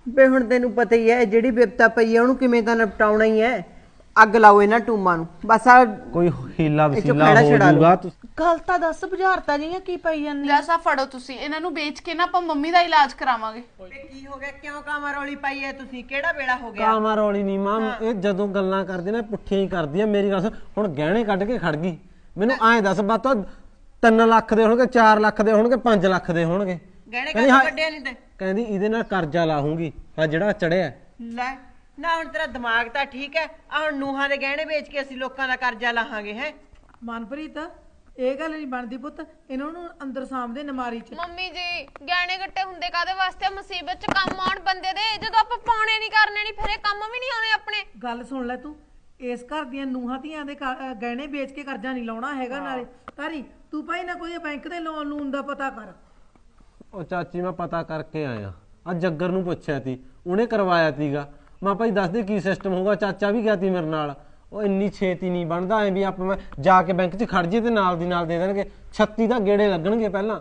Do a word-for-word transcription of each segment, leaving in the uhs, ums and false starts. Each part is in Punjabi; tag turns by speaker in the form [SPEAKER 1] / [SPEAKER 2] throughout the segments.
[SPEAKER 1] ਬੇ ਹੁਣ ਤੈਨੂੰ ਪਤਾ ਹੀ ਹੈ ਜਿਹੜੀ ਵਿਪਤਾ ਪਈ ਹੈ ਉਹਨੂੰ ਕਿਵੇਂ ਤਾਂ ਨਿਪਟਾਉਣਾ ਹੀ ਹੈ। ਅੱਗ ਲਾਓ ਇਹਨਾਂ ਟੂਮਾਂ ਨੂੰ ਬਸ। ਆ
[SPEAKER 2] ਕੋਈ ਹੀਲਾ ਵਸੀਲਾ ਹੋ ਜਾਊਗਾ।
[SPEAKER 3] ਗੱਲ ਤਾਂ ਦੱਸ ਬੁਝਾਰਤਾ ਜੀਆਂ ਕੀ ਪਈ ਜਾਂਦੀ
[SPEAKER 4] ਜੈਸਾ ਫੜੋ ਤੁਸੀਂ ਇਹਨਾਂ ਨੂੰ ਵੇਚ ਕੇ ਨਾ ਆਪਾਂ ਮੰਮੀ ਦਾ ਇਲਾਜ ਕਰਾਵਾਂਗੇ।
[SPEAKER 1] ਕੀ ਹੋ ਗਿਆ? ਕਿਉਂ ਕਾਮਾ ਰੌਲੀ ਪਾਈ ਹੈ ਤੁਸੀਂ? ਕਿਹੜਾ ਵੇਲਾ ਹੋ ਗਿਆ?
[SPEAKER 2] ਕਾਮਾ ਰੌਲੀ ਨਹੀਂ ਮਾਂ, ਇਹ ਜਦੋਂ ਗੱਲਾਂ ਕਰਦੀ ਨਾ ਪੁੱਠੀਆਂ ਹੀ ਕਰਦੀ ਆ। ਮੇਰੀ ਗੱਲ ਹੁਣ ਗਹਿਣੇ ਕੱਢ ਕੇ ਖੜ ਗਈ। ਮੈਨੂੰ ਐਂ ਦੱਸ ਬਾਤੋਂ ਤਿੰਨ ਲੱਖ ਦੇ ਹੋਣਗੇ, ਚਾਰ ਲੱਖ ਦੇ ਹੋਣਗੇ, ਪੰਜ ਲੱਖ ਦੇ ਹੋਣਗੇ।
[SPEAKER 1] ਗਹਿਣੇ ਕੱਢ ਕੱਢਿਆ ਨਹੀਂ ਤੇ
[SPEAKER 2] ਕਹਿੰਦੀ ਇਹਦੇ ਨਾਲ ਕਰਜ਼ਾ ਲਾਹੂੰਗੀ ਆ ਜਿਹੜਾ ਚੜਿਆ।
[SPEAKER 1] ਲੈ ਨਾ ਹੁਣ ਤੇਰਾ ਦਿਮਾਗ ਤਾਂ ਠੀਕ ਹੈ। ਆ ਹੁਣ ਨੂਹਾਂ ਦੇ ਗਹਿਣੇ ਵੇਚ ਕੇ ਅਸੀਂ ਲੋਕਾਂ ਦਾ ਕਰਜ਼ਾ ਲਾਹਾਂਗੇ ਹੈ?
[SPEAKER 3] ਮਨਪ੍ਰੀਤ ਇਹ ਗੱਲ ਨਹੀਂ ਬਣਦੀ ਪੁੱਤ, ਇਹਨਾਂ ਨੂੰ ਅੰਦਰ ਸਾਹਮਣੇ ਨਮਾਰੀ ਚ।
[SPEAKER 5] ਮੰਮੀ ਜੀ ਗਹਿਣੇ ਗੱਟੇ ਹੁੰਦੇ ਕਾਦੇ ਵਾਸਤੇ? ਮੁਸੀਬਤ ਚ ਕੰਮ ਆਉਣ ਬੰਦੇ ਦੇ। ਜਦੋਂ ਆਪਾਂ ਪਾਉਣੇ ਨਹੀਂ ਕਰਨੇ ਨਹੀਂ ਫਿਰ ਇਹ ਕੰਮ ਵੀ ਨਹੀਂ ਆਉਣੇ ਆਪਣੇ।
[SPEAKER 3] ਗੱਲ ਸੁਣ ਲੈ ਤੂੰ, ਇਸ ਘਰ ਦੀਆਂ ਨੂਹਾਂ ਧੀਆਂ ਦੇ ਗਹਿਣੇ ਵੇਚ ਕੇ ਕਰਜ਼ਾ ਨਹੀਂ ਲਾਉਣਾ ਹੈਗਾ। ਨਾਲੇ ਤਾਰੀ ਤੂੰ ਭਾਈ ਨਾ ਕੋਈ ਬੈਂਕ ਦੇ ਲੋਨ ਲੂਨ ਦਾ ਪਤਾ ਕਰ।
[SPEAKER 2] ਉਹ ਚਾਚੀ ਮੈਂ ਪਤਾ ਕਰਕੇ ਆਇਆ, ਆ ਜੱਗਰ ਨੂੰ ਪੁੱਛਿਆ ਤੀ, ਉਹਨੇ ਕਰਵਾਇਆ ਤੀਗਾ। ਮੈਂ ਭਾਈ ਦੱਸ ਦੇ ਕੀ ਸਿਸਟਮ ਹੋਊਗਾ। ਚਾਚਾ ਵੀ ਗਿਆ ਤੀ ਮੇਰੇ ਨਾਲ। ਉਹ ਇੰਨੀ ਛੇਤੀ ਨਹੀਂ ਬਣਦਾ ਐ ਵੀ ਆਪਾਂ ਮੈਂ ਜਾ ਕੇ ਬੈਂਕ 'ਚ ਖੜ ਜੇ ਤੇ ਨਾਲ ਦੀ ਨਾਲ ਦੇ ਦੇਣਗੇ। ਛੱਤੀ ਦਾ ਗੇੜੇ ਲੱਗਣਗੇ ਪਹਿਲਾਂ,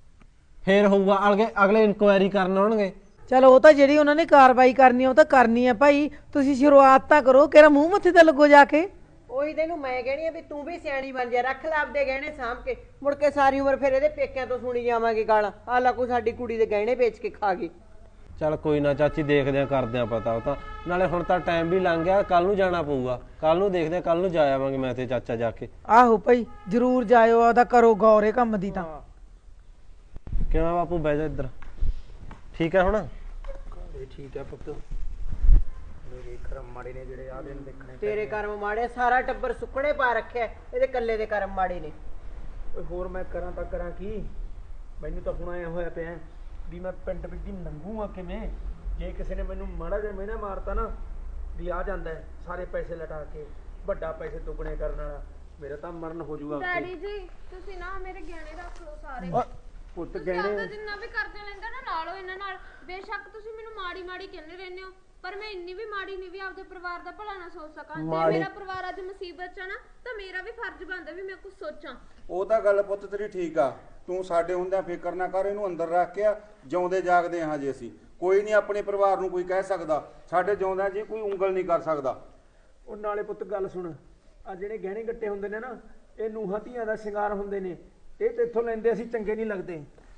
[SPEAKER 2] ਫੇਰ ਹੋਊਗਾ। ਅਗਲੇ ਅਗਲੇ ਇਨਕੁਆਇਰੀ ਕਰਨ ਆਉਣਗੇ।
[SPEAKER 3] ਚਲੋ ਉਹ ਤਾਂ ਜਿਹੜੀ ਉਹਨਾਂ ਨੇ ਕਾਰਵਾਈ ਕਰਨੀ ਉਹ ਤਾਂ ਕਰਨੀ ਹੈ ਭਾਈ। ਤੁਸੀਂ ਸ਼ੁਰੂਆਤ ਤਾਂ ਕਰੋ, ਕਿਹੜਾ ਮੂੰਹ ਮੱਥੇ ਤੇ ਲੱਗੋ ਜਾ ਕੇ।
[SPEAKER 1] ਉਹੀ ਤੈਨੂੰ ਮੈਂ ਕਹਿਣੀ ਆ ਵੀ ਤੂੰ ਵੀ ਸਿਆਣੀ ਬਣ ਜਾ। ਰੱਖ ਲੈ ਆਪਦੇ ਗਹਿਣੇ ਸਾਂਭ ਕੇ, ਮੁੜ ਕੇ ਸਾਰੀ ਉਮਰ ਫਿਰ ਇਹਦੇ ਪੇਕਿਆਂ ਤੋਂ ਸੁਣੀ ਜਾਵਾਂਗੇ ਗਾਲਾਂ। ਆਲਾ ਕੋ ਸਾਡੀ ਕੁੜੀ ਦੇ ਗਹਿਣੇ ਵੇਚ ਕੇ ਖਾ ਗਈ।
[SPEAKER 2] ਚੱਲ ਕੋਈ ਨਾ ਚਾਚੀ, ਦੇਖਦੇ ਆ ਕਰਦੇ ਆ ਪਤਾ। ਉਹ ਤਾਂ ਨਾਲੇ ਹੁਣ ਤਾਂ ਟਾਈਮ ਵੀ ਲੰਘ ਗਿਆ, ਕੱਲ ਨੂੰ ਜਾਣਾ ਪਊਗਾ। ਕੱਲ ਨੂੰ ਦੇਖਦੇ ਆ, ਕੱਲ ਨੂੰ ਜਾ ਆਵਾਂਗੇ ਮੈਂ ਤੇ ਚਾਚਾ ਜਾ ਕੇ।
[SPEAKER 3] ਆਹੋ ਭਾਈ ਜ਼ਰੂਰ ਜਾਇਓ, ਆਦਾ ਕਰੋ ਗੌਰੇ ਕੰਮ ਦੀ। ਤਾਂ
[SPEAKER 2] ਕਿਵੇਂ ਬਾਪੂ ਬਹਿ ਜਾ ਇੱਧਰ। ਠੀਕ ਹੈ ਹੁਣ?
[SPEAKER 6] ਠੀਕ ਹੈ ਪੁੱਤ। ਮੇਰੇ ਕਰਮ ਮਾੜੇ ਨੇ ਜਿਹੜੇ ਆ ਦਿਨ ਦੇਖਣੇ।
[SPEAKER 1] ਤੇਰੇ ਕਰਮ ਮਾੜੇ, ਸਾਰਾ ਟੱਬਰ ਸੁੱਕਣੇ ਪਾ ਰੱਖਿਆ, ਇਹਦੇ ਕੱਲੇ ਦੇ ਕਰਮ ਮਾੜੇ ਨੇ।
[SPEAKER 6] ਓਏ ਹੋਰ ਮੈਂ ਕਰਾਂ ਤਾਂ ਕਰਾਂ ਕੀ? ਮੈਨੂੰ ਤਾਂ ਹੁਣ ਆਇਆ ਹੋਇਆ ਪਿਆ ਵੀ ਮੈਂ ਪਿੰਡ ਵਿੱਚ ਦੀ ਲੰਘੂਗਾ ਕਿਵੇਂ? ਜੇ ਕਿਸੇ ਨੇ ਮੈਨੂੰ ਮਾੜਾ ਜਿਹਾ ਮਿਹਣਾ ਮਾਰਤਾ ਨਾ ਵੀ ਆ ਜਾਂਦਾ ਸਾਰੇ ਪੈਸੇ ਲਟਾ ਕੇ, ਵੱਡਾ ਪੈਸੇ ਦੁੱਗਣੇ ਕਰਨ ਵਾਲਾ, ਮੇਰਾ ਤਾਂ ਮਰਨ ਹੋ ਜਾਊਗਾ।
[SPEAKER 5] ਡੈਡੀ ਜੀ ਤੁਸੀਂ ਨਾ ਮੇਰੇ ਗਹਿਣੇ ਰੱਖ ਲਓ ਸਾਰੇ।
[SPEAKER 6] ਪੁੱਤ
[SPEAKER 5] ਤੁਸੀਂ ਆਪਦਾ ਜਿੰਨਾ ਵੀ ਕਰਦੇ ਲੈਂਦੇ ਨਾ ਨਾਲੋਂ ਇਹਨਾਂ ਨਾਲ। ਬੇਸ਼ੱਕ ਤੁਸੀਂ ਮੈਨੂੰ ਮਾੜੀ ਮਾੜੀ ਕਹਿੰਦੇ ਰਹਿੰਦੇ ਹੋ, ਪਰ ਮੈਂ ਇੰਨੀ ਵੀ ਮਾੜੀ ਨਹੀਂ ਵੀ ਆਪਦੇ ਪਰਿਵਾਰ ਦਾ ਭਲਾ ਨਾ ਸੋਚ ਸਕਾਂ। ਜੇ ਮੇਰਾ ਪਰਿਵਾਰ ਅੱਜ ਮੁਸੀਬਤ 'ਚ ਆ ਨਾ ਤਾਂ ਮੇਰਾ ਵੀ ਫਰਜ਼ ਬਣਦਾ ਵੀ ਮੈਂ ਕੁਝ ਸੋਚਾਂ।
[SPEAKER 7] ਉਹ ਤਾਂ ਗੱਲ ਪੁੱਤ ਤੇਰੀ ਠੀਕ ਆ। ਤੂੰ ਸਾਡੇ ਹੁੰਦਿਆਂ ਫਿਕਰ ਨਾ ਕਰ, ਇਹਨੂੰ ਅੰਦਰ ਰੱਖ ਕੇ ਜਿਉਂਦੇ ਜਾਗਦੇ ਹਾਂ ਜੇ ਅਸੀਂ। ਕੋਈ ਨਹੀਂ ਆਪਣੇ ਪਰਿਵਾਰ ਨੂੰ ਕੋਈ ਕਹਿ ਸਕਦਾ, ਸਾਡੇ ਜਿਉਂਦਿਆਂ ਜੀ ਕੋਈ ਉਂਗਲ ਨਹੀਂ ਕਰ ਸਕਦਾ।
[SPEAKER 6] ਉਹ ਨਾਲੇ ਪੁੱਤ ਗੱਲ ਸੁਣ, ਆ ਜਿਹੜੇ ਗਹਿਣੇ ਗੱਟੇ ਹੁੰਦੇ ਨੇ ਨਾ ਇਹ ਨੂੰਹਾਂ ਧੀਆਂ ਦਾ ਸ਼ਿੰਗਾਰ ਹੁੰਦੇ ਨੇ। ਇਹ ਤੇ ਇੱਥੋਂ ਲੈਂਦੇ ਅਸੀਂ ਚੰਗੇ ਨਹੀਂ ਲੱਗਦੇ।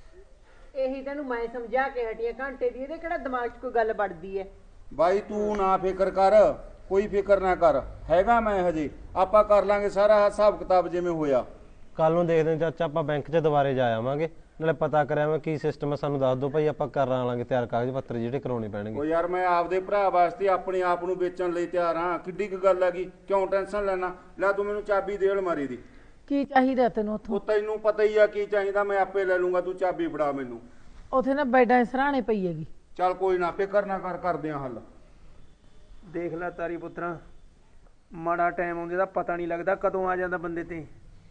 [SPEAKER 1] ਇਹੀ ਤੈਨੂੰ ਮੈਂ ਸਮਝਾ ਕੇ ਹਟੀਆਂ ਘੰਟੇ ਦੀ। ਇਹਦੇ ਕਿਹੜਾ ਦਿਮਾਗ 'ਚ ਕੋਈ ਗੱਲ ਵੜਦੀ ਹੈ?
[SPEAKER 7] ਬਾਈ ਤੂੰ ਨਾ ਫਿਕਰ ਕਰ, ਕੋਈ ਫਿਕਰ ਨਾ ਕਰ, ਹੈਗਾ ਮੈਂ ਹਜੇ। ਆਪਾਂ ਕਰ ਲਾਂਗੇ ਸਾਰਾ ਹਿਸਾਬ ਕਿਤਾਬ ਜਿਵੇਂ ਹੋਇਆ।
[SPEAKER 2] ਕੱਲ ਨੂੰ ਦੇਖਦੇ ਹਾਂ ਚਾਚਾ, ਆਪਾਂ ਬੈਂਕ 'ਚ ਦੁਬਾਰੇ ਜਾ ਆਵਾਂਗੇ। ਨਾਲੇ ਪਤਾ ਕਰਿਆ ਮੈਂ ਕੀ ਸਿਸਟਮ ਹੈ, ਸਾਨੂੰ ਦੱਸ ਦਿਓ ਭਾਈ। ਆਪਾਂ ਕਰ ਲਾਂਗੇ ਤਿਆਰ ਕਾਗਜ਼ ਪੱਤਰ ਜਿਹੜੇ ਕਰਾਉਣੇ ਪੈਣਗੇ।
[SPEAKER 7] ਉਹ ਯਾਰ ਮੈਂ ਆਪਦੇ ਭਰਾ ਵਾਸਤੇ ਆਪਣੇ ਆਪ ਨੂੰ ਵੇਚਣ ਲਈ ਤਿਆਰ ਹਾਂ। ਕਿੱਡੀ ਕੁ ਗੱਲ ਹੈਗੀ, ਕਿਉਂ ਟੈਨਸ਼ਨ ਲੈਣਾ? ਲੈ ਤੂੰ ਮੈਨੂੰ ਚਾਬੀ ਦੇ ਅਲਮਾਰੀ ਦੀ।
[SPEAKER 3] ਕੀ ਚਾਹੀਦਾ ਤੈਨੂੰ ਉੱਥੋਂ?
[SPEAKER 7] ਉਹ ਤੈਨੂੰ ਪਤਾ ਹੀ ਆ ਕੀ ਚਾਹੀਦਾ, ਮੈਂ ਆਪੇ ਲੈ ਲੂੰਗਾ। ਤੂੰ ਚਾਬੀ ਫੜਾ ਮੈਨੂੰ।
[SPEAKER 3] ਉੱਥੇ ਨਾ ਬੈਡਾਂ ਸਰਾਣੇ ਪਈ ਹੈਗੀ।
[SPEAKER 7] ਚੱਲ ਕੋਈ ਨਾ, ਫਿਕਰ ਨਾ ਕਰ, ਕਰਦੇ ਆ ਹੱਲ।
[SPEAKER 6] ਦੇਖ ਲੈ ਤਾਰੀ ਪੁੱਤਰਾ, ਮਾੜਾ ਟਾਈਮ ਆਉਂਦੇ ਦਾ ਪਤਾ ਨਹੀਂ ਲੱਗਦਾ ਕਦੋਂ ਆ ਜਾਂਦਾ ਬੰਦੇ ਤੇ।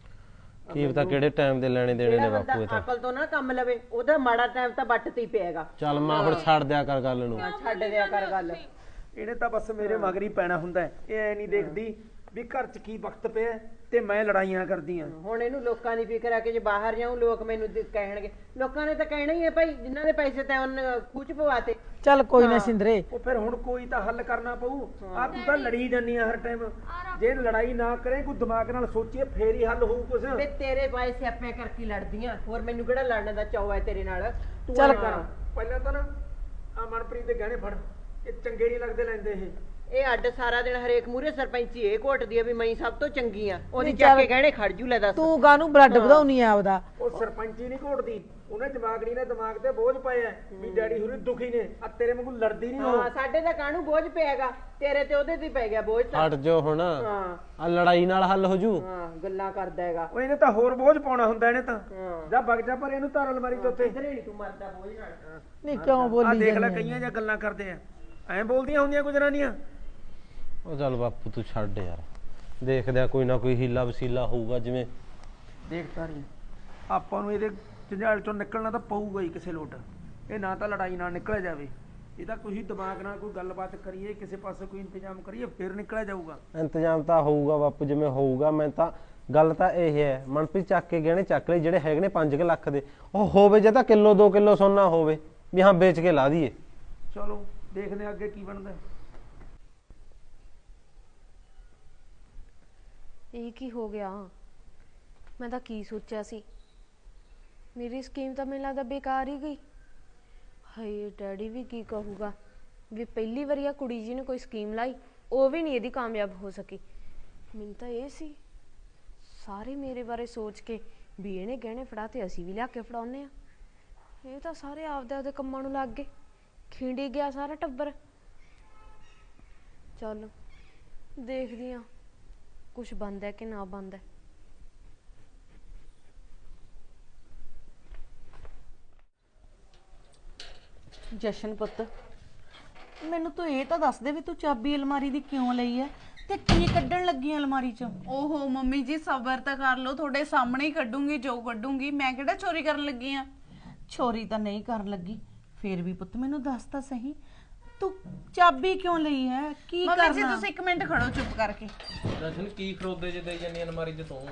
[SPEAKER 2] ਕੀ ਪਤਾ ਕਿਹੜੇ ਟਾਈਮ ਦੇ ਲੈਣੇ ਦੇਣੇ ਨੇ ਬਾਪੂ। ਇਹ ਤਾਂ
[SPEAKER 1] ਅਕਲ ਤੋਂ ਨਾ ਕੰਮ ਲਵੇ, ਉਹਦਾ ਮਾੜਾ ਟਾਈਮ ਤਾਂ ਵੱਟ ਤੇ ਹੀ ਪਏਗਾ।
[SPEAKER 2] ਚੱਲ ਮਾਂ ਹੁਣ ਛੱਡ ਦਿਆ ਕਰ ਗੱਲ ਨੂੰ।
[SPEAKER 1] ਛੱਡ ਦਿਆ ਕਰ ਗੱਲ।
[SPEAKER 6] ਇਹਨੇ ਤਾਂ ਬਸ ਮੇਰੇ ਮਗਰ ਹੀ ਪੈਣਾ ਹੁੰਦਾ। ਇਹ ਐ ਨਹੀਂ ਦੇਖਦੀ ਵੀ ਘਰ 'ਚ ਕੀ ਵਕਤ ਪਿਆ ਤੇ ਮੈਂ ਲੜਾਈਆਂ ਕਰਦੀ ਆ।
[SPEAKER 1] ਹੁਣ ਇਹਨੂੰ ਲੋਕਾਂ ਦੀ ਫਿਕਰ ਆ ਕਿ ਜੇ ਬਾਹਰ ਜਾਊਂ ਲੋਕ ਮੈਨੂੰ ਕਹਿਣਗੇ। ਲੋਕਾਂ ਨੇ ਤਾਂ ਕਹਿਣਾ ਹੀ ਹੈ ਭਾਈ, ਜਿਨ੍ਹਾਂ ਦੇ ਪੈਸੇ ਤਾਂ ਉਹਨ ਖੂਚ ਪਵਾਤੇ।
[SPEAKER 3] ਚੱਲ ਕੋਈ ਨਾ ਸਿੰਦਰੇ,
[SPEAKER 6] ਉਹ ਫਿਰ ਹੁਣ ਕੋਈ ਤਾਂ ਹੱਲ ਕਰਨਾ ਪਊ। ਆ ਤੂੰ ਤਾਂ ਲੜੀ ਜਾਂਦੀ ਆ ਹਰ ਟਾਈਮ। ਜੇ ਲੜਾਈ ਨਾ ਕਰੇ, ਕੋਈ ਦਿਮਾਗ ਨਾਲ ਸੋਚੀਏ ਫੇਰ ਹੀ ਹੱਲ ਹੋਊ ਕੁਛ।
[SPEAKER 1] ਵੇ ਤੇਰੇ ਪਾਏ ਸਿਆਪੇ ਕਰਕੇ ਲੜਦੀਆਂ, ਹੋਰ ਮੈਨੂੰ ਕਿਹੜਾ ਲੜਨ ਦਾ ਚਾਅ ਹੈ ਤੇਰੇ ਨਾਲ? ਤੂੰ
[SPEAKER 6] ਚੱਲ ਕਰ ਪਹਿਲਾਂ ਤਾਂ ਨਾ ਆ ਮਨਪ੍ਰੀਤ ਦੇ ਗਹਿਣੇ ਫੜ। ਇਹ ਚੰਗੇ ਨਹੀਂ ਲੱਗਦੇ ਲੈਂਦੇ ਇਹ।
[SPEAKER 1] ਇਹ ਅੱਡ ਸਾਰਾ ਦਿਨ ਹਰੇਕ ਮੂਰੇ ਸਰਪੰਚੀ ਇਹ ਘੋਟਦੀ ਆ ਵੀ ਮੈਂ ਸਭ ਤੋਂ ਚੰਗੀ ਆ। ਉਹਦੀ ਚੱਕ ਕੇ ਗਹਿਣੇ ਖੜ ਜੂ। ਲੈ ਦੱਸ
[SPEAKER 3] ਤੂੰ ਕਾਹਨੂੰ ਬਲੱਡ ਵਧਾਉਣੀ ਆ ਆਪਦਾ?
[SPEAKER 6] ਉਹ ਸਰਪੰਚੀ ਨਹੀਂ ਘੋਟਦੀ, ਉਹਨੇ ਦਿਮਾਗੜੀ ਨੇ ਦਿਮਾਗ ਤੇ ਬੋਝ ਪਾਇਆ ਵੀ ਡੈਡੀ ਹੁਰੀ ਦੁਖੀ ਨੇ। ਆ ਤੇਰੇ ਵਾਂਗੂ ਲੜਦੀ ਨਹੀਂ ਉਹ।
[SPEAKER 1] ਹਾਂ ਸਾਡੇ ਤਾਂ ਕਾਹਨੂੰ ਬੋਝ ਪਿਆਗਾ, ਤੇਰੇ ਤੇ ਉਹਦੇ ਤੇ ਪੈ ਗਿਆ ਬੋਝ ਤਾਂ।
[SPEAKER 2] ਹਟ ਜੋ ਹੁਣ, ਆ ਲੜਾਈ ਨਾਲ ਹੱਲ ਹੋ ਜੂ।
[SPEAKER 1] ਹਾਂ ਗੱਲਾਂ ਕਰਦਾ ਹੈਗਾ
[SPEAKER 6] ਉਹ। ਇਹਨੇ ਤਾਂ ਹੋਰ ਬੋਝ ਪਾਉਣਾ ਹੁੰਦਾ ਇਹਨੇ ਤਾਂ। ਜਾ ਵਗ ਜਾ ਪਰ ਇਹਨੂੰ ਧਾਰ ਅਲਮਾਰੀ ਤੋਂ ਉੱਤੇ।
[SPEAKER 1] ਇਧਰੇ ਨਹੀਂ ਤੂੰ ਮਰਦਾ ਬੋਝ ਨਾਲ।
[SPEAKER 3] ਨਹੀਂ ਕਿਉਂ ਬੋਲੀ?
[SPEAKER 6] ਆ ਦੇਖ ਲੈ ਕਈਆਂ ਜਾਂ ਗੱਲਾਂ ਕਰਦੇ ਆ, ਐਂ ਬੋਲਦੀਆਂ ਹੁੰਦੀਆਂ ਗੁਜਰਾਨੀਆਂ।
[SPEAKER 2] ਉਹ ਚੱਲ ਬਾਪੂ ਤੂੰ ਛੱਡ ਯਾਰ, ਦੇਖਦੇ ਆ ਕੋਈ ਨਾ ਕੋਈ ਹੀਲਾ ਵਸੀਲਾ ਹੋਊਗਾ। ਜਿਵੇਂ
[SPEAKER 6] ਦੇਖਦਾ ਨਹੀਂ, ਆਪਾਂ ਨੂੰ ਇਹਦੇ ਝੰਜਾਲ ਚੋਂ ਨਿਕਲਣਾ ਤਾਂ ਪਊਗਾ ਹੀ ਕਿਸੇ ਲੋਟ। ਇਹ ਨਾ ਤਾਂ ਲੜਾਈ ਨਾਲ ਨਿਕਲਿਆ ਜਾਵੇ, ਇਹਦਾ ਕੋਈ ਦਿਮਾਗ ਨਾਲ ਕੋਈ ਗੱਲਬਾਤ ਕਰੀਏ, ਕਿਸੇ ਪਾਸੇ ਕੋਈ ਇੰਤਜ਼ਾਮ ਕਰੀਏ, ਫਿਰ ਨਿਕਲਿਆ ਜਾਊਗਾ।
[SPEAKER 2] ਇੰਤਜ਼ਾਮ ਤਾਂ ਹੋਊਗਾ ਬਾਪੂ, ਜਿਵੇਂ ਹੋਊਗਾ। ਮੈਂ ਤਾਂ ਗੱਲ ਤਾਂ ਇਹ ਹੈ, ਮਨਪ੍ਰੀਤ ਚੱਕ ਕੇ ਗਹਿਣੇ ਚੱਕ ਲਈ ਜਿਹੜੇ ਹੈਗੇ ਨੇ ਪੰਜ ਕੁ ਲੱਖ ਦੇ। ਉਹ ਹੋਵੇ ਜੇ ਤਾਂ ਕਿਲੋ ਦੋ ਕਿਲੋ ਸੋਨਾ ਹੋਵੇ ਵੀ ਹਾਂ ਵੇਚ ਕੇ ਲਾ ਦਈਏ।
[SPEAKER 6] ਚਲੋ ਦੇਖਦੇ ਹਾਂ ਅੱਗੇ ਕੀ ਬਣਦਾ।
[SPEAKER 5] ਇਹ ਕੀ ਹੋ ਗਿਆ? ਮੈਂ ਤਾਂ ਕੀ ਸੋਚਿਆ ਸੀ, ਮੇਰੀ ਸਕੀਮ ਤਾਂ ਮੈਨੂੰ ਲੱਗਦਾ ਬੇਕਾਰ ਹੀ ਗਈ। ਹਾਏ ਡੈਡੀ ਵੀ ਕੀ ਕਹੂਗਾ ਵੀ ਪਹਿਲੀ ਵਾਰੀ ਆ ਕੁੜੀ ਜੀ ਨੇ ਕੋਈ ਸਕੀਮ ਲਾਈ, ਉਹ ਵੀ ਨਹੀਂ ਇਹਦੀ ਕਾਮਯਾਬ ਹੋ ਸਕੀ। ਮੈਨੂੰ ਤਾਂ ਇਹ ਸੀ ਸਾਰੇ ਮੇਰੇ ਬਾਰੇ ਸੋਚ ਕੇ ਵੀ ਇਹਨੇ ਗਹਿਣੇ ਫੜਾ ਤੇ ਅਸੀਂ ਵੀ ਲਿਆ ਕੇ ਫੜਾਉਂਦੇ ਆ। ਇਹ ਤਾਂ ਸਾਰੇ ਆਪਦੇ ਆਪਦੇ ਕੰਮਾਂ ਨੂੰ ਲੱਗ ਗਏ, ਖਿੰਡੀ ਗਿਆ ਸਾਰਾ ਟੱਬਰ। ਚੱਲ ਦੇਖਦੀ ਆ ਕੁਛ ਬਣਦਾ ਕਿ ਨਾ ਬਣਦਾ।
[SPEAKER 3] ਜਸ਼ਨ ਪੁੱਤ, ਮੈਨੂੰ ਤੂੰ ਇਹ ਤਾਂ ਦੱਸ ਦੇ ਵੀ ਤੂੰ ਚਾਬੀ ਅਲਮਾਰੀ ਦੀ ਕਿਉਂ ਲਈ ਹੈ ਤੇ ਕੀ ਕੱਢਣ ਲੱਗੀ ਹੈ ਅਲਮਾਰੀ ਚੋਂ?
[SPEAKER 4] ਓਹੋ ਮੰਮੀ ਜੀ ਸਬਰ ਤਾਂ ਕਰ ਲਓ, ਤੁਹਾਡੇ ਸਾਹਮਣੇ ਹੀ ਕੱਢੂੰਗੀ ਜੋ ਕੱਢੂੰਗੀ। ਮੈਂ ਕਿਹੜਾ ਚੋਰੀ ਕਰਨ ਲੱਗੀ ਆ?
[SPEAKER 3] ਚੋਰੀ ਤਾਂ ਨਹੀਂ ਕਰਨ ਲੱਗੀ, ਫੇਰ ਵੀ ਪੁੱਤ ਮੈਨੂੰ ਦੱਸ ਤਾਂ ਸਹੀ, ਤੂੰ ਚਾਬੀ ਕਿਉਂ ਲਈ ਹੈ? ਕੀ
[SPEAKER 4] ਮੰਮੀ ਜੀ
[SPEAKER 3] ਕਰਨਾ?
[SPEAKER 4] ਤੁਸੀਂ ਇੱਕ ਮਿੰਟ ਖੜੋ ਚੁੱਪ ਕਰਕੇ।
[SPEAKER 2] ਦਰਸ਼ਨ ਕੀ ਖਰੋਦੇ ਜੇ ਦੇਈ ਜਾਂਦੀ ਅਲਮਾਰੀ 'ਚ ਤੂੰ?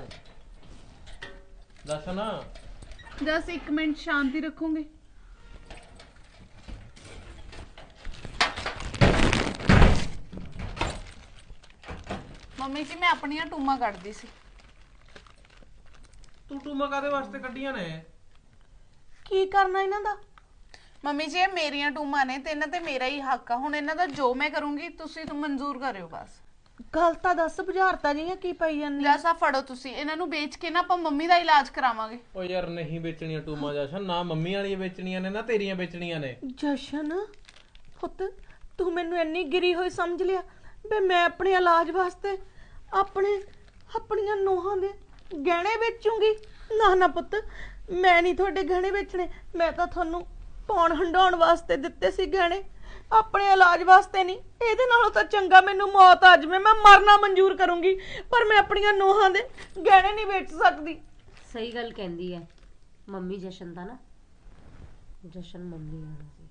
[SPEAKER 2] ਦਰਸ਼ਨ
[SPEAKER 4] ਜਸ ਇੱਕ ਮਿੰਟ ਸ਼ਾਂਤੀ ਰੱਖੋਗੇ? ਮੰਮੀ ਜੀ ਮੈਂ ਆਪਣੀਆਂ ਟੂਮਾਂ ਕੱਢਦੀ ਸੀ।
[SPEAKER 2] ਤੂੰ ਟੂਮਾ ਕਾਦੇ ਵਾਸਤੇ ਕੱਢੀਆਂ ਨੇ?
[SPEAKER 3] ਕੀ ਕਰਨਾ ਇਹਨਾਂ ਦਾ?
[SPEAKER 4] ਮੰਮੀ ਜੀ ਇਹ ਮੇਰੀਆਂ ਟੂਮਾਂ ਨੇ ਤੇ ਇਹਨਾਂ ਤੇ ਮੇਰਾ ਹੀ ਹੱਕ ਆ। ਹੁਣ ਇਹਨਾਂ ਦਾ ਜੋ ਮੈਂ ਕਰੂੰਗੀ ਤੁਸੀਂ ਤਾਂ ਮਨਜ਼ੂਰ ਕਰਿਓ ਬਸ।
[SPEAKER 3] ਗੱਲ ਤਾਂ ਦੱਸ, ਬੁਝਾਰਤਾ ਜੀਆਂ ਕੀ ਪਈ ਜਾਂਦੀ?
[SPEAKER 4] ਜੈਸਾ ਫੜੋ ਤੁਸੀਂ ਇਹਨਾਂ ਨੂੰ, ਵੇਚ ਕੇ ਨਾ ਆਪਾਂ ਮੰਮੀ ਦਾ ਇਲਾਜ ਕਰਾਵਾਂਗੇ।
[SPEAKER 2] ਓ ਯਾਰ ਨਹੀਂ ਵੇਚਣੀਆਂ ਟੂਮਾ ਜਸ਼ਨ, ਨਾ ਮੰਮੀ ਵਾਲੀਆਂ ਵੇਚਣੀਆਂ ਨੇ ਨਾ ਤੇਰੀਆਂ ਵੇਚਣੀਆਂ ਨੇ।
[SPEAKER 3] ਜਸ਼ਨ ਪੁੱਤ, ਤੂੰ ਮੈਨੂੰ ਇੰਨੀ ਗਿਰੀ ਹੋਈ ਸਮਝ ਲਿਆ ਵੀ ਮੈਂ ਆਪਣੇ ਇਲਾਜ ਵਾਸਤੇ ਆਪਣੇ ਆਪਣੀਆਂ ਨੋਹਾਂ ਦੇ ਗਹਿਣੇ ਵੇਚੂੰਗੀ? ਨਾ ਨਾ ਪੁੱਤ, ਮੈਂ ਨਹੀਂ ਤੁਹਾਡੇ ਗਹਿਣੇ ਵੇਚਣੇ। ਮੈਂ ਤਾਂ ਤੁਹਾਨੂੰ ਪੌਣ ਹੰਡਾਉਣ ਵਾਸਤੇ ਦਿੱਤੇ ਸੀ ਗਹਿਣੇ, ਆਪਣੇ ਇਲਾਜ ਵਾਸਤੇ ਨਹੀਂ। ਇਹਦੇ ਨਾਲੋਂ ਤਾਂ ਚੰਗਾ ਮੈਨੂੰ ਮੌਤ ਆ ਜਾਵੇ, ਮੈਂ ਮਰਨਾ ਮਨਜ਼ੂਰ ਕਰੂੰਗੀ, ਪਰ ਮੈਂ ਆਪਣੀਆਂ ਨੋਹਾਂ ਦੇ ਗਹਿਣੇ ਨਹੀਂ ਵੇਚ ਸਕਦੀ।
[SPEAKER 8] ਸਹੀ ਗੱਲ ਕਹਿੰਦੀ ਹੈ ਮੰਮੀ ਜਸ਼ਨ ਦਾ ਨਾ। ਜਸ਼ਨ ਮੰਮੀ ਆਣਾ ਸੀ।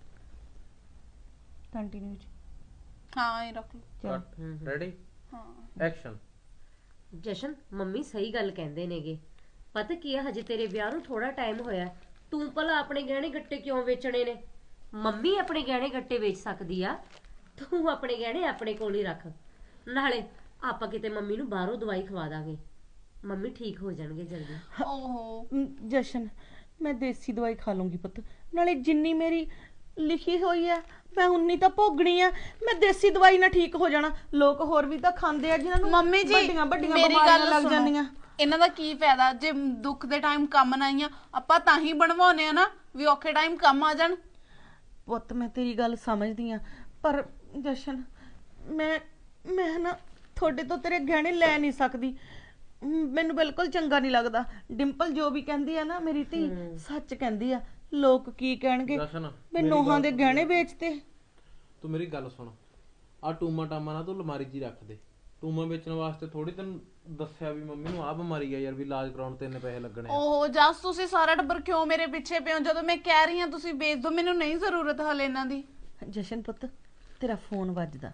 [SPEAKER 3] ਕੰਟੀਨਿਊ ਜੀ।
[SPEAKER 4] ਹਾਂ ਇਹ ਰੱਖ ਲਓ।
[SPEAKER 2] ਰੈਡੀ?
[SPEAKER 4] ਹਾਂ
[SPEAKER 2] ਐਕਸ਼ਨ।
[SPEAKER 8] ਜਸ਼ਨ ਮੰਮੀ ਸਹੀ ਗੱਲ ਕਹਿੰਦੇ ਨੇਗੇ। ਪਤਾ ਕੀ ਹੈ, ਹਜੇ ਤੇਰੇ ਵਿਆਹ ਨੂੰ ਥੋੜਾ ਟਾਈਮ ਹੋਇਆ, ਤੂੰ ਭਲਾ ਆਪਣੇ ਗਹਿਣੇ ਗੱਟੇ ਕਿਉਂ ਵੇਚਣੇ ਨੇ? ਮੰਮੀ ਆਪਣੇ ਗਹਿਣੇ ਗੱਟੇ ਵੇਚ ਸਕਦੀ ਆ, ਤੂੰ ਆਪਣੇ ਗਹਿਣੇ ਆਪਣੇ ਕੋਲ ਹੀ ਰੱਖ। ਨਾਲੇ ਆਪਾਂ ਕਿਤੇ ਮੰਮੀ ਨੂੰ ਬਾਹਰੋਂ ਦਵਾਈ ਖਵਾ ਦਾਂਗੇ, ਮੰਮੀ ਠੀਕ ਹੋ ਜਾਣਗੇ ਜਲਦੀ।
[SPEAKER 4] ਓਹੋ
[SPEAKER 3] ਮ, ਜਸ਼ਨ ਮੈਂ ਦੇਸੀ ਦਵਾਈ ਖਾ ਲੂੰਗੀ ਪੁੱਤ, ਨਾਲੇ ਜਿੰਨੀ ਮੇਰੀ ਲਿਖੀ ਹੋਈ ਹੈ ਮੈਂ ਉਨੀ ਤਾਂ ਭੋਗਣੀ ਆ। ਮੈਂ ਦੇਸੀ ਦਵਾਈ ਨਾਲ ਠੀਕ ਹੋ ਜਾਣਾ, ਲੋਕ ਹੋਰ ਵੀ ਤਾਂ ਖਾਂਦੇ ਆ ਜਿਨ੍ਹਾਂ ਨੂੰ
[SPEAKER 4] ਮੰਮੀ ਜੀ
[SPEAKER 3] ਵੱਡੀਆਂ ਵੱਡੀਆਂ
[SPEAKER 4] ਮੇਰੀ
[SPEAKER 3] ਬਿਮਾਰੀਆਂ
[SPEAKER 4] ਗੱਲ
[SPEAKER 3] ਲੱਗ
[SPEAKER 4] ਸੁਣੋ।
[SPEAKER 3] ਜਾਂਦੀਆਂ।
[SPEAKER 4] ਇਹਨਾਂ ਦਾ ਕੀ ਫਾਇਦਾ ਜੇ ਦੁੱਖ ਦੇ ਟਾਈਮ ਕੰਮ ਨਾ ਆਈਆਂ? ਆਪਾਂ ਤਾਂ ਹੀ ਬਣਵਾਉਨੇ ਆ ਨਾ ਵੀ ਔਖੇ ਟਾਈਮ ਕੰਮ ਆ ਜਾਣ।
[SPEAKER 3] ਪੁੱਤ ਮੈਂ ਤੇਰੀ ਗੱਲ ਸਮਝਦੀ ਆ, ਪਰ ਜਸ਼ਨ ਮੈਂ ਮੈਂ ਨਾ ਤੁਹਾਡੇ ਤੋਂ ਤੇਰੇ ਗਹਿਣੇ ਲੈ ਨਹੀਂ ਸਕਦੀ। ਮ, ਮੈਨੂੰ ਬਿਲਕੁਲ ਚੰਗਾ ਨਹੀਂ ਲੱਗਦਾ। ਡਿੰਪਲ ਜੋ ਵੀ ਕਹਿੰਦੀ ਆ ਨਾ ਮੇਰੀ ਧੀ ਸੱਚ ਕਹਿੰਦੀ ਆ। ਲੋਕ ਕੀ ਕਹਿਣਗੇ
[SPEAKER 2] ਜਸ਼ਨ
[SPEAKER 3] ਮੈਂ ਨੋਹਾਂ ਦੇ ਗਹਿਣੇ ਵੇਚਤੇ।
[SPEAKER 2] ਤੂੰ ਮੇਰੀ ਗੱਲ ਸੁਣ, ਆ ਟੂਮਾ ਟਾਮਾ ਨਾ ਤੂੰ ਅਲਮਾਰੀ 'ਚ ਹੀ ਰੱਖ ਦੇ। ਟੂਮਾ ਵੇਚਣ ਵਾਸਤੇ ਥੋੜੀ ਤੈਨੂੰ ਦੱਸਿਆ ਵੀ ਮੰਮੀ ਨੂੰ ਆਹ ਬਿਮਾਰੀ ਆ ਯਾਰ, ਵੀ ਇਲਾਜ ਕਰਾਉਣ ਤੇ ਇੰਨੇ ਪੈਸੇ ਲੱਗਣੇ ਆ।
[SPEAKER 4] ਓਹੋ ਜਸ ਤੁਸੀਂ ਸਾਰਾ ਟੱਬਰ ਕਿਉਂ ਮੇਰੇ ਪਿੱਛੇ ਪਿਓ? ਜਦੋਂ ਮੈਂ ਕਹਿ ਰਹੀ ਹਾਂ ਤੁਸੀਂ ਵੇਚ ਦਿਓ, ਮੈਨੂੰ ਨਹੀਂ ਜ਼ਰੂਰਤ ਹਲੇ ਇਹਨਾਂ ਦੀ।
[SPEAKER 3] ਜਸ਼ਨ ਪੁੱਤ ਤੇਰਾ ਫੋਨ ਵੱਜਦਾ।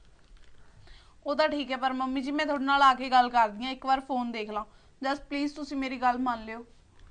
[SPEAKER 4] ਉਹ ਤਾਂ ਠੀਕ ਹੈ, ਪਰ ਮੰਮੀ ਜੀ ਮੈਂ ਤੁਹਾਡੇ ਨਾਲ ਆ ਕੇ ਗੱਲ ਕਰਦੀ ਹਾਂ, ਇੱਕ ਵਾਰ ਫੋਨ ਦੇਖ ਲਾਂ। ਜਸ ਪਲੀਜ਼ ਤੁਸੀਂ ਮੇਰੀ ਗੱਲ ਮੰਨ ਲਿਓ।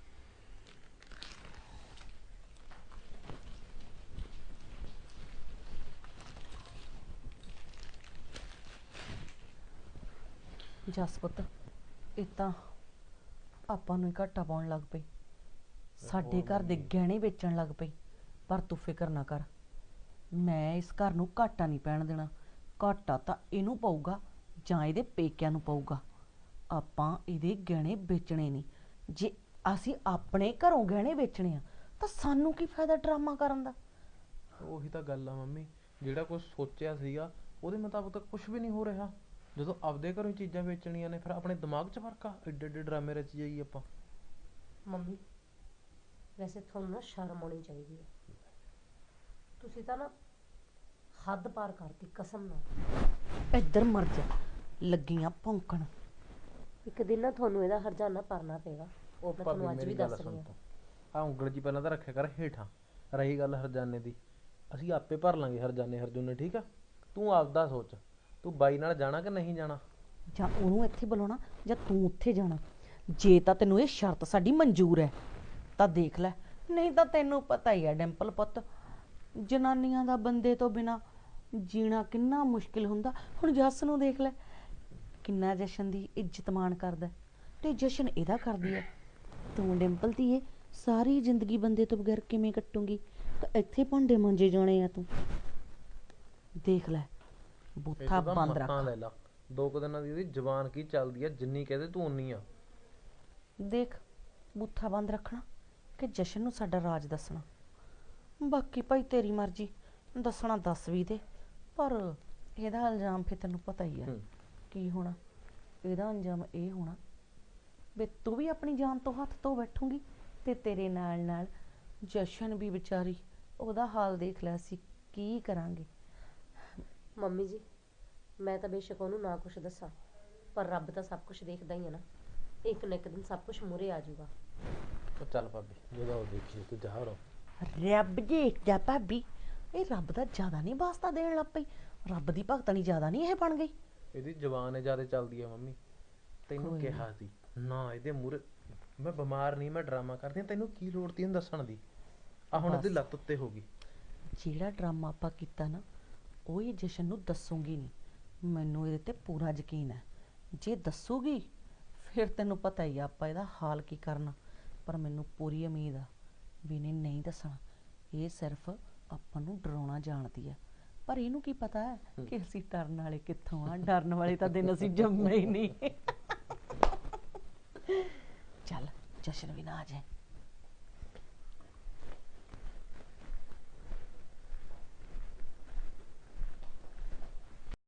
[SPEAKER 3] ਜਸ ਪੁੱਤ ਇਹ ਤਾਂ ਆਪਾਂ ਨੂੰ ਹੀ ਘਾਟਾ ਪਾਉਣ ਲੱਗ ਪਈ, ਸਾਡੇ ਘਰ ਦੇ ਗਹਿਣੇ ਵੇਚਣ ਲੱਗ ਪਈ। ਪਰ ਤੂੰ ਫਿਕਰ ਨਾ ਕਰ, ਮੈਂ ਇਸ ਘਰ ਨੂੰ ਘਾਟਾ ਨਹੀਂ ਪੈਣ ਦੇਣਾ। ਘਾਟਾ ਤਾਂ ਇਹਨੂੰ ਪਊਗਾ ਜਾਂ ਇਹਦੇ ਪੇਕਿਆਂ ਨੂੰ ਪਊਗਾ। ਆਪਾਂ ਇਹਦੇ ਗਹਿਣੇ ਵੇਚਣੇ ਨਹੀਂ। ਜੇ ਅਸੀਂ ਆਪਣੇ ਘਰੋਂ ਗਹਿਣੇ ਵੇਚਣੇ ਆ ਤਾਂ ਸਾਨੂੰ ਕੀ ਫਾਇਦਾ ਡਰਾਮਾ ਕਰਨ ਦਾ?
[SPEAKER 2] ਉਹੀ ਤਾਂ ਗੱਲ ਆ ਮੰਮੀ, ਜਿਹੜਾ ਕੁਝ ਸੋਚਿਆ ਸੀਗਾ ਉਹਦੇ ਮੁਤਾਬਕ ਤਾਂ ਕੁਝ ਵੀ ਨਹੀਂ ਹੋ ਰਿਹਾ। ਜਦੋਂ ਆਪਦੇ ਘਰੋਂ ਚੀਜ਼ਾਂ ਵੇਚਣੀਆਂ ਨੇ ਫਿਰ ਆਪਣੇ ਦਿਮਾਗ 'ਚ ਫਰਕ ਆ, ਏਡੇ ਏਡੇ ਡਰਾਮੇ ਰਚ ਜਾਈਏ ਆਪਾਂ।
[SPEAKER 8] ਮੰਮੀ ਵੈਸੇ ਤੁਹਾਨੂੰ ਨਾ ਸ਼ਰਮ ਆਉਣੀ ਚਾਹੀਦੀ ਹੈ, ਤੁਸੀਂ ਤਾਂ ਨਾ ਹੱਦ ਪਾਰ ਕਰਤੀ ਕਸਮ ਨਾਲ।
[SPEAKER 3] ਇੱਧਰ ਮਰ ਜਾ, ਲੱਗੀਆਂ ਭੌਂਕਣ।
[SPEAKER 8] ਇੱਕ ਦਿਨ ਨਾ ਤੁਹਾਨੂੰ ਇਹਦਾ ਹਰਜਾਨਾ ਭਰਨਾ ਪਏਗਾ, ਉਹ ਮੈਂ ਤੁਹਾਨੂੰ ਅੱਜ ਵੀ ਦੱਸ ਰਹੀ ਹਾਂ।
[SPEAKER 2] ਆ ਉਂਗਲ ਜੀ ਪਹਿਲਾਂ ਤਾਂ ਰੱਖਿਆ ਕਰ ਹੇਠਾਂ। ਰਹੀ ਗੱਲ ਹਰਜਾਨੇ ਦੀ, ਅਸੀਂ ਆਪੇ ਭਰ ਲਾਂਗੇ ਹਰਜਾਨੇ ਹਰਜੁਨੇ, ਠੀਕ ਆ? ਤੂੰ ਆਪਦਾ ਸੋਚ, ਤੂੰ ਬਾਈ ਨਾਲ ਜਾਣਾ ਕਿ ਨਹੀਂ ਜਾਣਾ?
[SPEAKER 3] ਜਾਂ ਉਹਨੂੰ ਇੱਥੇ ਬੁਲਾਉਣਾ ਜਾਂ ਤੂੰ ਉੱਥੇ ਜਾਣਾ। ਜੇ ਤਾਂ ਤੈਨੂੰ ਇਹ ਸ਼ਰਤ ਸਾਡੀ ਮਨਜ਼ੂਰ ਹੈ ਤਾਂ ਦੇਖ ਲੈ, ਨਹੀਂ ਤਾਂ ਤੈਨੂੰ ਪਤਾ ਹੀ ਹੈ ਡਿੰਪਲ ਪੁੱਤ, ਜਨਾਨੀਆਂ ਦਾ ਬੰਦੇ ਤੋਂ ਬਿਨਾ ਜੀਣਾ ਕਿੰਨਾ ਮੁਸ਼ਕਿਲ ਹੁੰਦਾ। ਹੁਣ ਜੱਸ ਨੂੰ ਦੇਖ ਲੈ, ਕਿੰਨਾ ਜਸ਼ਨ ਦੀ ਇੱਜ਼ਤ ਮਾਣ ਕਰਦਾ ਤੇ ਜਸ਼ਨ ਇਹਦਾ ਕਰਦੀ ਹੈ। ਤੂੰ ਡਿੰਪਲ ਧੀਏ ਸਾਰੀ ਜ਼ਿੰਦਗੀ ਬੰਦੇ ਤੋਂ ਬਗੈਰ ਕਿਵੇਂ ਕੱਟੂਗੀ? ਤਾਂ ਇੱਥੇ ਭਾਂਡੇ ਮਾਂਜੇ ਜਾਣੇ ਆ ਤੂੰ। ਦੇਖ ਲੈ ਬੂਥਾ ਬੰਦ ਰੱਖ।
[SPEAKER 9] ਲੈ ਲਾ ਦੋ ਕੁ ਦਿਨਾਂ ਦੀ ਉਹਦੀ ਜ਼ਬਾਨ ਕੀ ਚੱਲਦੀ ਆ, ਜਿੰਨੀ ਕਹਦੇ ਤੂੰ ਉਨੀ ਆ।
[SPEAKER 3] ਦੇਖ ਬੂਥਾ ਬੰਦ ਰੱਖਣਾ ਕਿ ਜਸ਼ਨ ਨੂੰ ਸਾਡਾ ਰਾਜ ਦੱਸਣਾ। ਬਾਕੀ ਭਾਈ ਤੇਰੀ ਮਰਜ਼ੀ, ਦੱਸਣਾ ਦੱਸ ਵੀ ਦੇ, ਪਰ ਇਹਦਾ ਇਲਜ਼ਾਮ ਫਿਰ ਤੈਨੂੰ ਪਤਾ ਹੀ ਆ ਕੀ ਹੋਣਾ। ਇਹਦਾ ਅੰਜਾਮ ਇਹ ਹੋਣਾ ਵੀ ਤੂੰ ਵੀ ਆਪਣੀ ਜਾਨ ਤੋਂ ਹੱਥ ਧੋ ਬੈਠੂਗੀ ਤੇ ਤੇਰੇ ਨਾਲ ਨਾਲ ਜਸ਼ਨ ਵੀ ਵਿਚਾਰੀ, ਉਹਦਾ ਹਾਲ ਦੇਖ ਲਿਆ ਸੀ ਕੀ ਕਰਾਂਗੇ।
[SPEAKER 8] ਮੰਮੀ ਜੀ ਮੈਂ ਤਾਂ ਬੇਸ਼ੱਕ ਉਹਨੂੰ ਨਾ ਕੁਛ ਦੱਸਾਂ, ਪਰ ਰੱਬ ਤਾਂ ਸਭ ਕੁਝ ਦੇਖਦਾ ਹੀ ਹੈ ਨਾ। ਇੱਕ ਨਾ ਇੱਕ ਦਿਨ ਸਭ ਕੁਝ ਮੂਹਰੇ ਆ ਜਾਊਗਾ।
[SPEAKER 9] ਉਹ ਚੱਲ ਭਾਬੀ ਜਦੋਂ ਉਹ ਦੇਖੀ ਤੂੰ ਜਾ ਰੋ।
[SPEAKER 3] ਰੱਬ ਦੇਖਦਾ ਭਾਬੀ, ਇਹ ਰੱਬ ਦਾ ਜ਼ਿਆਦਾ ਨਹੀਂ ਵਾਸਤਾ ਦੇਣ ਲੱਗ ਪਈ। ਰੱਬ ਦੀ ਭਗਤਣੀ ਜ਼ਿਆਦਾ ਨਹੀਂ ਇਹ ਬਣ ਗਈ।
[SPEAKER 9] ਇਹਦੀ ਜ਼ਬਾਨ ਹੈ ਜ਼ਿਆਦਾ ਚੱਲਦੀ ਆ ਮੰਮੀ। ਤੈਨੂੰ ਕਿਹਾ ਸੀ ਨਾ ਇਹਦੇ ਮੂਹਰੇ। ਮੈਂ ਬਿਮਾਰ ਨਹੀਂ, ਮੈਂ ਡਰਾਮਾ ਕਰਦੀ ਹਾਂ, ਤੈਨੂੰ ਕੀ ਲੋੜ ਤੀ ਇਹਨੂੰ ਦੱਸਣ ਦੀ? ਆ ਹੁਣ ਇਹਦੀ ਲੱਤ ਉੱਤੇ ਹੋ ਗਈ।
[SPEAKER 3] ਜਿਹੜਾ ਡਰਾਮਾ ਆਪਾਂ ਕੀਤਾ ਨਾ ਉਹ ਹੀ ਜਸ਼ਨ ਨੂੰ ਦੱਸੂਗੀ ਨਹੀਂ। ਮੈਨੂੰ ਇਹਦੇ ਤੇ ਪੂਰਾ ਯਕੀਨ ਹੈ। ਜੇ ਦੱਸੂਗੀ ਫਿਰ ਤੈਨੂੰ ਪਤਾ ਹੀ ਆ ਆਪਾਂ ਇਹਦਾ ਹਾਲ ਕੀ ਕਰਨਾ। ਪਰ ਮੈਨੂੰ ਪੂਰੀ ਉਮੀਦ ਆ ਵੀ ਇਹਨੇ ਨਹੀਂ ਦੱਸਣਾ। ਇਹ ਸਿਰਫ ਆਪਾਂ ਨੂੰ ਡਰਾਉਣਾ ਜਾਣਦੀ ਆ, ਪਰ ਇਹਨੂੰ ਕੀ ਪਤਾ ਹੈ ਕਿ ਅਸੀਂ ਡਰਨ ਵਾਲੇ ਕਿੱਥੋਂ ਆ। ਡਰਨ ਵਾਲੇ ਤਾਂ ਦਿਨ ਅਸੀਂ ਜੰਮੇ ਹੀ ਨਹੀਂ। ਚੱਲ ਜਸ਼ਨ ਵੀ ਨਾ ਆ ਜਾਏ।